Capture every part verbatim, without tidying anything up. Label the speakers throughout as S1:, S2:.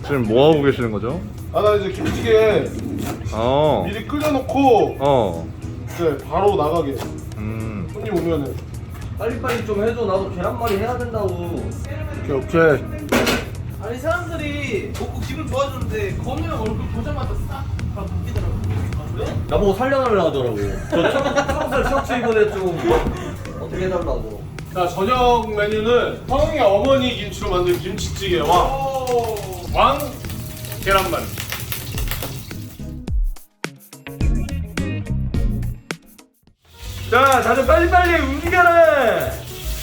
S1: 지금 뭐 하고 계시는 거죠?
S2: 아, 나 이제 김치찌개
S1: 어.
S2: 미리 끓여놓고
S1: 어.
S2: 이제 바로 나가게.
S1: 음.
S2: 손님 오면은.
S3: 빨리빨리 좀 해줘. 나도 계란말이 해야 된다고.
S2: 오케이, 오케이.
S4: 아니 사람들이 먹고 기분 좋아졌는데 건우형 얼굴 보자마자 싹 다 바뀌더라고. 아 그래?
S3: 나보고 살려달라 하더라고. 저 청살 셔츠 입은 애좀 어떻게 해달라고.
S2: 자, 저녁 메뉴는 성웅이 어머니 김치로 만든 김치찌개와 왕 계란말이.
S3: 자, 다들 빨리빨리 움직여라.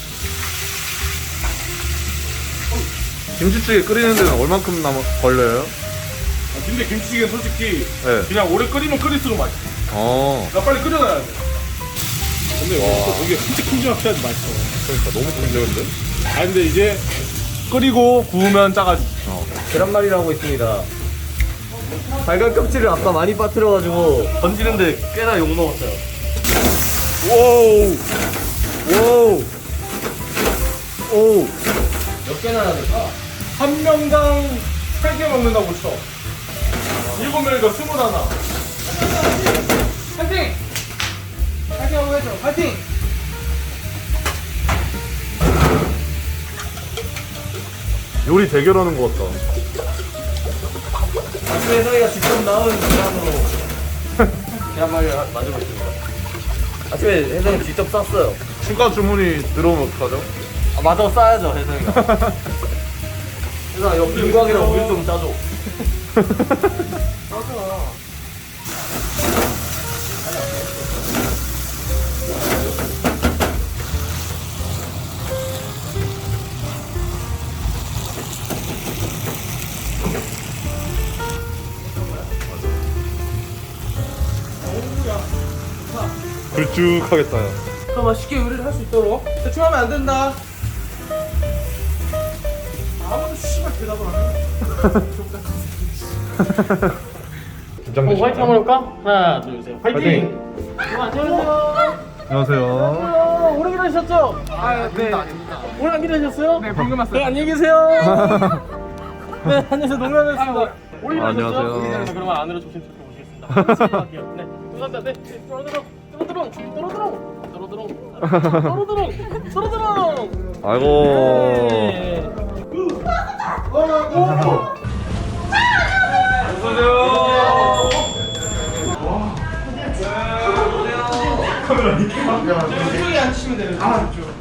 S1: 김치찌개 끓이는 데는 얼만큼 남 걸려요?
S2: 아, 근데 김치찌개는 솔직히
S1: 네.
S2: 그냥 오래 끓이면 끓일수록 맛있어.
S1: 어.
S2: 나 빨리 끓여놔야 돼. 근데 와. 되게 큼직큼직하게 맛있어.
S1: 그러니까 너무 큰데
S2: 아, 근데 이제 끓이고 구우면 짜가지.
S1: 어.
S3: 계란말이라고 있습니다. 달걀 껍질을 아까 많이 빠뜨려가지고 던지는데 꽤나 욕 먹었어요.
S1: 와우. 와우. 오.
S3: 몇 개나 해야 될까?
S2: 한 명당 세 개 먹는다고 쳐. 일곱 명이니까 스물 하나.
S4: 파이팅! 파이팅 한번 해줘. 파이팅!
S1: 요리 대결하는 것 같다.
S3: 아침에 혜성이가 직접 나온 계란으로 계란말이를 하- 만들고 있습니다. 아침에 혜성이 직접 쌌어요.
S1: 추가 주문이 들어오면 어떡하죠?
S3: 아, 맞아, 싸야죠, 혜성이가. 혜성아, 옆 김광이랑 우유 좀 짜줘.
S1: 굵쭉하겠다.
S4: 더 맛있게 요리를 할 수 있도록 대충 하면 안 된다. 아무도 씨발 대답을 안 해.
S1: 긴장되시나요?
S4: 화이팅 한번 해볼까? 하나 둘셋 화이팅! 어, 안녕하세요.
S1: 안녕하세요.
S4: 어, 오래 기다리셨죠? 아, 네. 오래 안 기다리셨어요? 네, 방금 왔어요. 네, 안녕히 계세요. 네, 안녕하세요. 농담했습니다. 오래 기다리셨죠?
S1: 안녕하세요.
S4: 네, 그러면 안으로 조심스럽게 모시겠습니다. 할게요. 네, 감사합니다. 네, 또로드롱, 또로드롱, 또로드롱, 또로드롱, 또로드롱, 또로드롱.
S1: 아이고.
S4: 네. 이쪽에 앉으시면 되는 거죠. 아, 이쪽.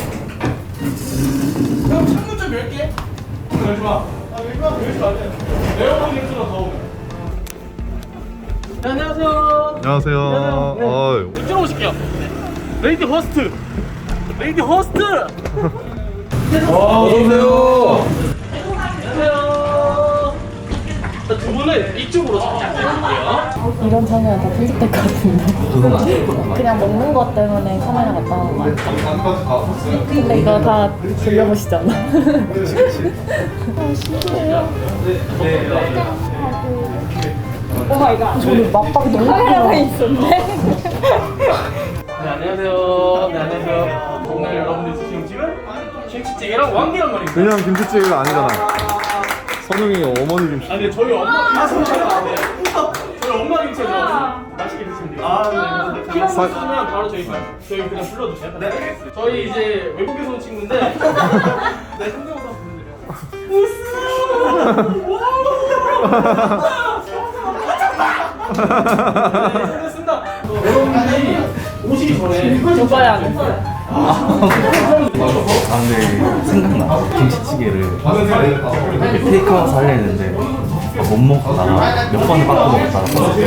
S4: 그럼 창문 좀 열게. 열지 마. 아, 열지 마. 열지 마. 에어컨 냄새가 더 오면. 네, 안녕하세요.
S1: 안녕하세요.
S4: 네.
S1: 어이.
S4: 이쪽으로 오실게요. 네. 레이디 호스트. 레이디 호스트.
S3: 어서오세요.
S4: 안녕하세요. 자, 두 분은 이쪽으로 잠시 앉아주세요.
S5: 이런 장면 다 편집될 것 같은데 그냥 먹는 것 때문에 카메라 갔다 온 거 같아. 근데 이거 다 돌려보시잖아. 아, 신기해요. 오마이갓. 저는 막박이 너무 카메라가 있었네.
S4: 네, 안녕하세요. 네, 안녕하세요. 오늘 여러분들이 지금 지금 김치찌개랑 왕계란 말입니다.
S1: 그냥 김치찌개가 아니잖아. 선웅이 어머니 김치.
S4: 아, 근데 저희 엄마 김치가 안 돼요. 저희 엄마 김치가 좋아서 맛있게 드시면 돼요. 아, 네. 필요한 거 있으면 바로 저희 저희 그냥 불러주세요. 네. 저희 이제 외국에서 온 친구인데. 네, 성대모사 부르드려요. 네, 됐습니다. 여러분들이 오시기 전에
S5: 오빠야 안 했어.
S6: 아 근데 생각나 김치찌개를 이렇게 테이크아웃 하려 했는데 못 먹다가 몇 번을 바꿔 먹다가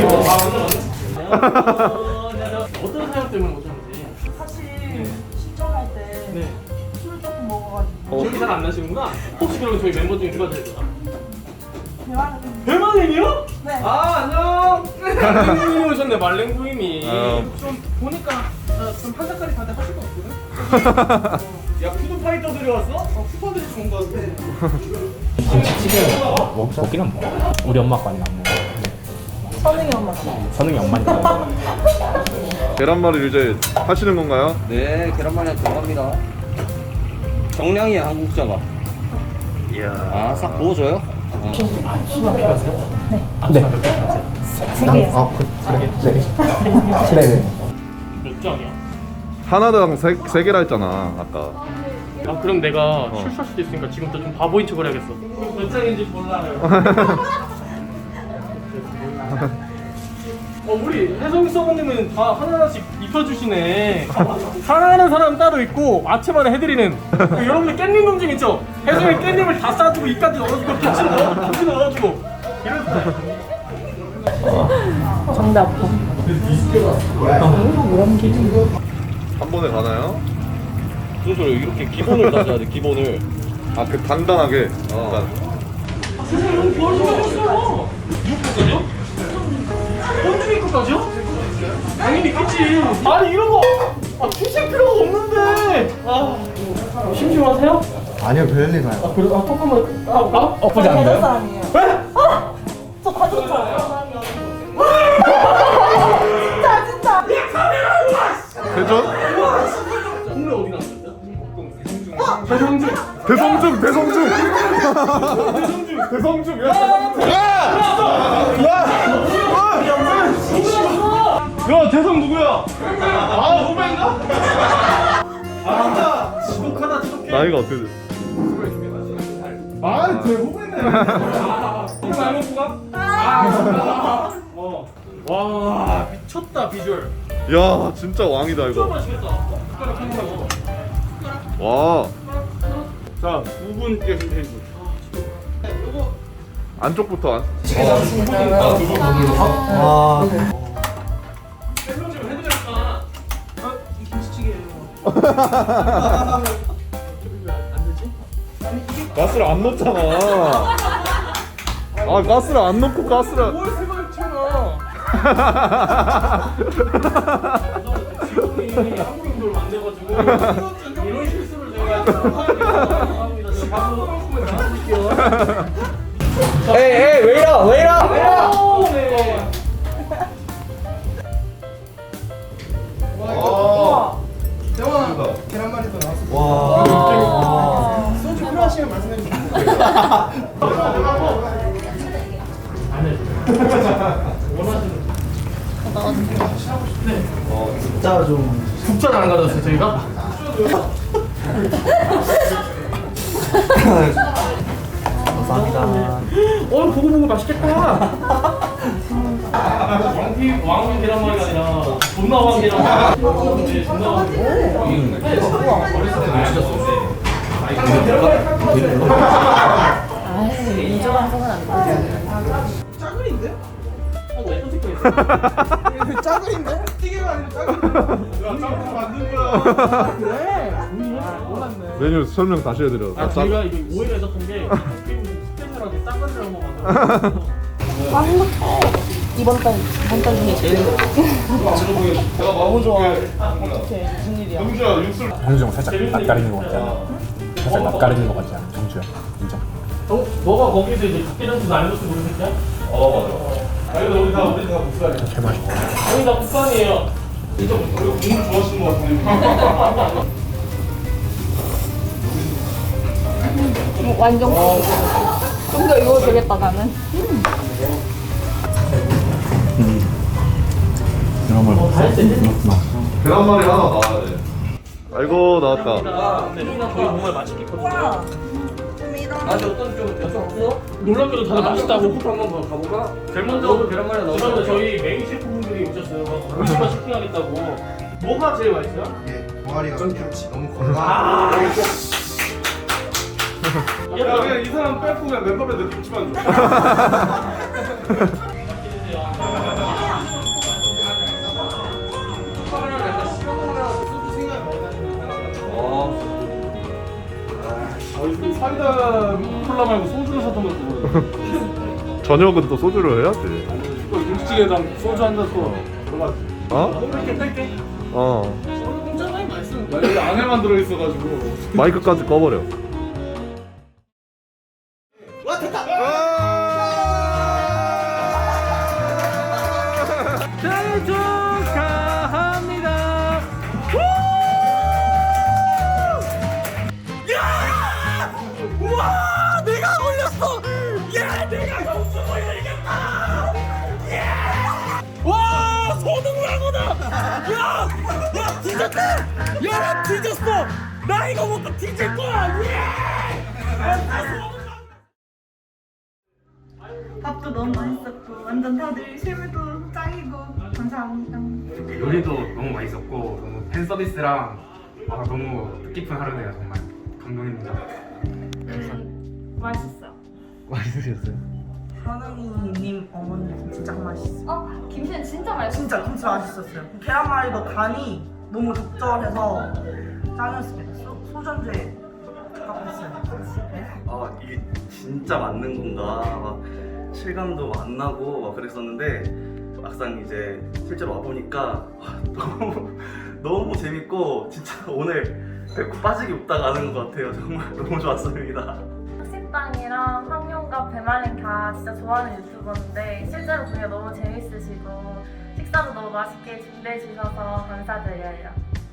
S4: 어떤 사연 때문에 오셨는지.
S5: 사실 신청할 때
S4: 네.
S5: 술 조금 먹어가지고
S4: 기억이 잘 안 나시는구나. 혹시 그러면 저희 멤버 중에 누가 제일 좋아?
S5: 대화를
S4: 대만님이요?
S5: 네.
S4: 아, 안녕. 말랭구임이 오셨네. 말랭구임이.
S1: 아.
S4: 좀 보니까 어, 좀 한사까지 다들 하실 것 같거든. 야, 푸드파이터들이 왔어? 어, 푸파들이 좋은 것 같아.
S6: 김치찌개 먹, 먹긴 안 먹어. 우리 엄마 아빠는 안 먹어.
S5: 선웅이 엄마.
S6: 선웅이 엄마니까.
S1: 계란말이 이제 하시는 건가요?
S3: 네, 계란말이 들어갑니다. 정량이야, 한국자가.
S1: 이야.
S3: 아, 싹 부어줘요?
S6: 네.
S5: 세 개요.
S6: 아, 그, 그래. 네. 네.
S4: 몇 장이야?
S1: 하나당 세, 세 개라 했잖아 아까.
S4: 아 그럼 내가 실수할 수도 있으니까 지금부터 좀 바보인 척을 해야겠어. 몇 장인지 몰라요. 어 우리 혜성 서버님은 다 하나하나씩 입혀주시네. 사랑하는 사람 따로 있고 아침마다 해드리는. 그 여러분들 깻잎 논증 있죠? 혜성이 깻잎을 다 싸주고 입까지 넣어주고 김치 넣어 김치 넣어주고 이런.
S5: 정대 아파.
S1: 한 번에 가나요?
S3: 무슨 소리야? 이렇게 기본을 따져야 돼. 기본을.
S1: 아 그 단단하게. 어.
S4: 세상에 너무 좋아졌어요. 육까지요? 언제 육까지요? 당연히 있겠지. 아니 이런 거 아, 투실 필요가 없는데. 아 심심하세요?
S6: 아니요, 별일 아요.
S4: 아 그래? 아 조금만. 아 아?
S6: 엎어지 않는데요?
S5: 아니에요.
S4: 왜?
S5: 저 가졌죠. 진짜 진짜.
S1: 대전?
S4: 동네 어디 나왔어요? 대성중.
S1: 대성중 대성중.
S4: 대성중.
S1: 대성중. 야.
S4: 야 대성 누구야? 아 후배인가? 아 지독하다 지독해.
S1: 나이가 어떻게 돼?
S4: 아, 제 후배네. 이거 안 먹고 가? 아, 어. 와, 미쳤다 비주얼.
S1: 야 진짜 왕이다
S4: 진짜
S1: 이거.
S4: 맛있겠다. 숟가락 한 거.
S1: 와
S4: 자, 두 분 계신데 이거.
S1: 안쪽부터 안.
S6: 아,
S4: 설명 좀 해드릴까? 어, 이 김치찌개예요.
S1: 가스를 안 넣잖아. 아 가스를 안 넣고 가스를.
S4: 뭘 생각을 채워? 지금이 한국인들 만들어가지고 이런 실수를 제가 죄송합니다. 제가 바로 나와줄게요.
S3: 에이, 에이, 왜 이러? 왜 이러? 왜 이러?
S4: 오, 네.
S6: 진짜 좀.
S4: 국자를 안 가져왔어요 저희가?
S6: 감사합니다.
S4: 어 보고 보고 맛있겠다. 왕피 왕피 계란말이가 아니라 존나 왕 계란말이. 네, 존나 왕.
S5: 아이 이조 방송은 안 돼.
S2: 짜글인데? 찌개가 아니라 짜글. 야 짬뽕 만든 거야.
S1: 메뉴 설명 다시 해드려.
S4: 아 저희가 이게 오해가 있었던 게 스페셜하게 싸가지를 한번 만들었거든요.
S5: 아 행복해. 이번 달 이번 달 중에 제일
S2: 너무 좋아.
S5: 어떡해 무슨 일이야?
S2: 영주야 육술.
S6: 정주영 살짝 낯가리는 것 같지 않아? 살짝 낯가리는 것 같지 않아? 정주영. 인정.
S4: 어? 너가 거기서 이제 각계장수 날렸을 모르겠냐?
S2: 어 맞아. 아 근데 우리 다 우리 다 국산이야.
S6: 개 맛있다.
S4: 저희 다 국산이에요.
S2: 진짜 국물 좋아하시는 것 같은데.
S5: 완전 좀 더 이거 되겠다 나는.
S6: 이런 걸 먹었어? 그렇구나.
S1: 계란말이 하나 나와야 돼. 아이고 나왔다.
S4: 근데 저희 정말 맛있겠거든요. 아니 어떤 좀 여쭤봤어? 놀랍게도 다들 맛있다고.
S3: 한번 더 가볼까?
S4: 제일 먼저
S3: 계란말이 나오죠?
S4: 그다음에 저희 메인 셰프분들이 오셨어요. 음식만 쇼핑하겠다고. 뭐가 제일 맛있어요?
S7: 동아리가 좋지. 너무 건강.
S4: 아,
S2: 야 그냥 이 사람 빼고 그냥 멤버들 김치만 줘. 아, 사이다 콜라 말고 소주를 사던 것도 모르겠어.
S1: 저녁은 또 소주를 해야지.
S2: 김치찌개랑 소주 한 잔 또 골라지.
S1: 어?
S4: 뺄게 뺄게.
S1: 어.
S4: 공짜장이 맛있으면
S2: 나 여기 안에만 들어있어가지고.
S1: 마이크까지 꺼버려.
S4: 생일 축하합니다. 우와! 내가 올렸어! 예!
S3: 야 뒤졌어. 나 이거 먹고 뒤질 거야.
S8: 밥도 너무 맛있었고 완전 다들 실물도 짱이고 감사합니다.
S9: 요리도 너무 맛있었고 너무 팬 서비스랑 아, 너무 뜻깊은 하루네요. 정말 감동입니다.
S5: 맛있어요.
S1: 맛있으셨어요?
S8: 현웅이님 어머님 진짜 맛있어요.
S5: 어? 김치는 진짜 맛있어.
S8: 진짜 김치 맛있었어요. 계란말이도 간이 너무 적절해서 짱이었습니다. 소, 소전주에 가깝았어요.
S10: 아 이게 진짜 맞는 건가 막 실감도 안 나고 막 그랬었는데 막상 이제 실제로 와보니까 와, 너무 너무 재밌고 진짜 오늘 배꼽 빠지기 없다 가는 것 같아요. 정말 너무 좋았습니다.
S5: 식당이랑 황룡과 배말랭 다 진짜 좋아하는 유튜버인데 실제로 보니까 너무 재밌으시고 식사도 너무 맛있게 준비해 주셔서 감사드려요.